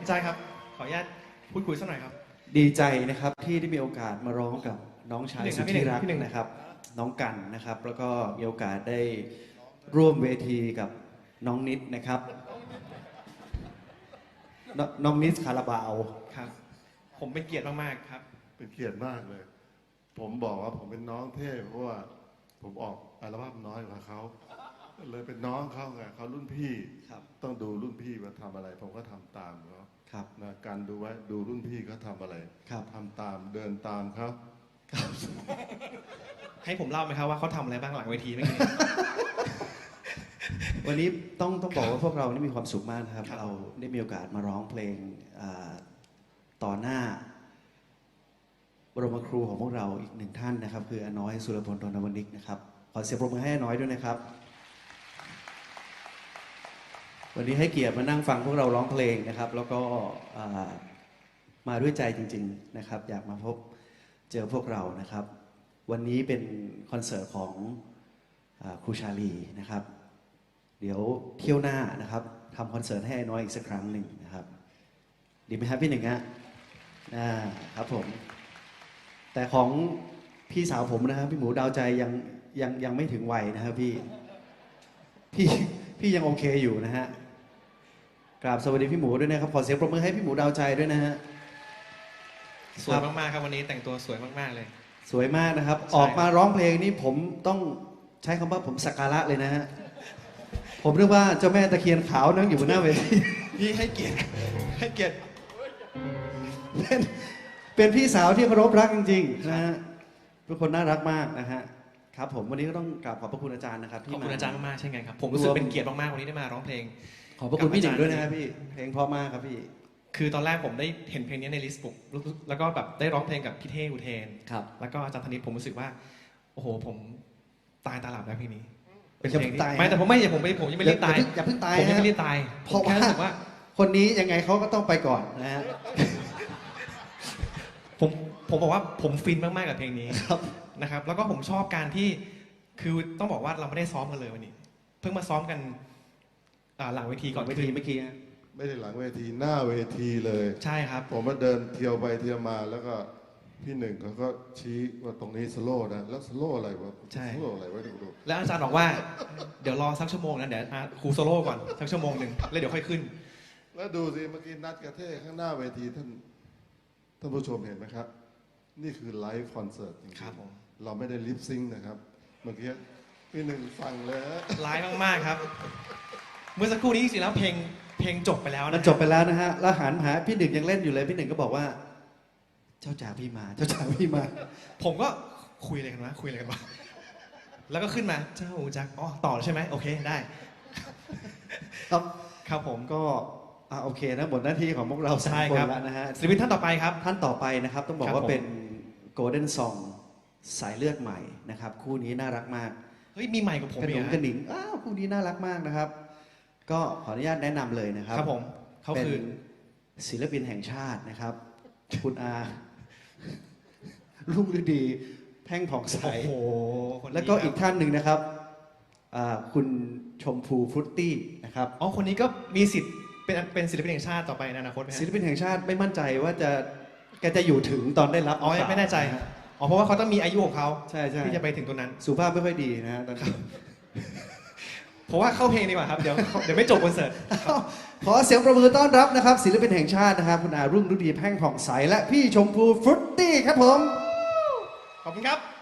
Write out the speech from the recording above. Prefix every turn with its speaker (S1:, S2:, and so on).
S1: อาจารย์ครับขออนุญาตพูดคุยสักหน่อยครับ
S2: ดีใจนะครับที่ได้มีโอกาสมาร้องกับน้องชายสุดที่รัก
S1: พี่หนึ่ง
S2: นะครับน้องกันนะครับแล้วก็มีโอกาสได้ร่วมเวทีกับน้องนิดนะครับน้องนิดคาราบาว
S1: ครับผมเป็นเกียรติมากๆครับ
S3: เป็นเกียรติมากเลยผมบอกว่าผมเป็นน้องเทพเพราะว่าผมออกอัลบั้มน้อยกว่าเขาเลยเป็นน้องเขาไงเขารุ่นพี่ต้องดูรุ่นพี่ว่าทำอะไรผมก็ทำตามเขานะการดูไว้ดูรุ่นพี่เขาทำอะไรทำตามเดินตามเขา
S1: ให้ผมเล่าไหมครับว่าเขาทำอะไรบ้างหลังเวทีเมื่อกี้
S2: วันนี้ต้องบอกว่าพวกเรานี่มีความสุขมากนะครับเราได้มีโอกาสมาร้องเพลงต่อหน้าบรมครูของพวกเราอีกหนึ่งท่านนะครับคืออาน้อยสุรพล ธนวณิกนะครับขอเสียงปรบมือให้อาน้อยด้วยนะครับวันนี้ให้เกียรติมานั่งฟังพวกเราร้องเพลงนะครับแล้วก็มาด้วยใจจริงๆนะครับอยากมาพบเจอพวกเรานะครับวันนี้เป็นคอนเสิร์ตของครูชาลีนะครับเดี๋ยวเที่ยวหน้านะครับทำคอนเสิร์ตให้อาน้อยอีกสักครั้งหนึ่งนะครับดีไหมครับพี่หนึ่งฮะครับผมแต่ของพี่สาวผมนะครับพี่หมูดาวใจยังไม่ถึงวัยนะครับพี่ยังโอเคอยู่นะฮะกราบสวัสดีพี่หมูด้วยนะครับขอเสียงปรบมือให้พี่หมูดาวใจด้วยนะฮะ
S1: สวยมากๆครับวันนี้แต่งตัวสวยมากๆเลย
S2: สวยมากนะครับออกมาร้องเพลงนี้ผมต้องใช้คำว่าผมสักการะเลยนะฮะผมเรียกว่าเจ้าแม่ตะเคียนขาวนั่งอยู่บนหน้าเวที
S1: พี่ให้เกียรติ
S2: เป็นพี่สาวที่เคารพรักจริงๆนะฮะเป็นคนน่ารักมากนะฮะครับผมวันนี้ก็ต้องกราบขอบพระคุณอาจารย์นะครับ
S1: ขอบคุณอาจารย์มากๆเช่นกันครับผมรู้สึกเป็นเกียรติมากๆวันนี้ได้มาร้องเพลง
S2: ขอบพระคุณพี่หนึ่งด้วยนะครับพี่เพลงเพราะมากครับพี่
S1: คือตอนแรกผมได้เห็นเพลงนี้ในลิสต์บุ๊กแล้วก็แบบได้ร้องเพลงกับพี่เท่อุเทนแล้วก็อาจารย์ธนิตผมรู้สึกว่าโอ้โหผมตายตาหลับแล้วเพลงนี้เป็นเพลงที่ไม่แต่ผมยังไม่รีบตาย
S2: อย่าเพิ่งตาย
S1: ผมยังไม่รีบตาย
S2: เพราะว่าคนนี้ยังไงเขาก็ต้องไปก่อนนะฮะ
S1: ผมบอกว่าผมฟินมากๆกับเพลงนี้นะครับแล้วก็ผมชอบการที่คือต้องบอกว่าเราไม่ได้ซ้อมกันเลยวันนี้เพิ่งมาซ้อมกันหลังเวทีก่อน
S2: เวทีเมื่อกี้
S3: ไม่ได้หลังเวทีหน้าเวทีเลย
S1: ใช่ครับ
S3: ผมมาเดินเที่ยวไปเที่ยวมาแล้วก็พี่หนึ่งเขาก็ชี้ว่าตรงนี้สโลว์นะแล้วสโลว์อะไรวะสโลว์อะไรวะดู
S1: แล้วอาจารย์บอกว่าเดี๋ยวรอสักชั่วโมงนะเดี๋ยวครูโซโล่ก่อนสักชั่วโมงหนึ่งแล้วเดี๋ยวค่อยขึ้น
S3: แล้วดูสิเมื่อกี้นัดกระเทข้างหน้าเวทีท่านผู้ชมเห็นไหมครับนี่คือไลฟ์คอนเสิร์ตจริงๆเราไม่ได้ลิปซิงค์นะครับเมื่อกี้พี่หนึ่งฟังเลย
S1: ไลฟ์มากๆครับเมื่อสักครู่นี้จริงๆแล้วเพลงจบไปแล้วนะ
S2: จบไปแล้วนะฮะแล้วหันหาพี่หนึ่งยังเล่นอยู่เลยพี่หนึ่งก็บอกว่าเจ้าจ๋าพี่มาเจ้าจ๋าพี่มา
S1: ผมก็คุยอะไรกันวะแล้วก็ขึ้นมาเจ้าจ๋าอ๋อต่อใช่ไหมโอเคได้ครับผม
S2: ก็โอเคนะหมดหน้าที่ของพวกเราสามคนแล้วนะฮะ
S1: ศิลปินท่านต่อไปครับ
S2: ท่านต่อไปนะครับต้องบอกว่าเป็น Golden Song สายเลือดใหม่นะครับคู่นี้น่ารักมาก
S1: เฮ้ยมีใหม่กับผม
S2: กระหนุ่มกระหนิงคู่นี้น่ารักมากนะครับก็ขออนุญาตแนะนำเลยนะครับ
S1: ครับผมเขาคือ
S2: ศิลปินแห่งชาตินะครับคุณอารุ่งฤดีแพ่งผ่องใสแล้วก็อีกท่านหนึ่งนะครับคุณชมพูฟรุตตี้นะครับ
S1: อ๋อคนนี้ก็มีสิทธิ์เป็นศิลปินแห่งชาติต่อไปในอนาคตไหม
S2: ศิลปินแห่งชาติไม่มั่นใจว่าแกจะอยู่ถึงตอนได้รับ
S1: อ๋อยังไม่แน่ใจอ๋อเพราะว่าเขาต้องมีอายุของเขา
S2: ใช่
S1: ที่จะไปถึงตัวนั้น
S2: สุภาพไม่ค่อยดีนะฮะตอนนี้
S1: ผมว่าเข้าเพลงดีกว่าครับเดี๋ยวไม่จบคอนเสิร์ต
S2: ขอเสียงประมือต้อนรับนะครับศิลปินแห่งชาตินะครับคุณอารุ่งฤดีแพ่งผ่องใสและพี่ชมพูฟรุตตี้ครับผม
S1: ขอบคุณครับ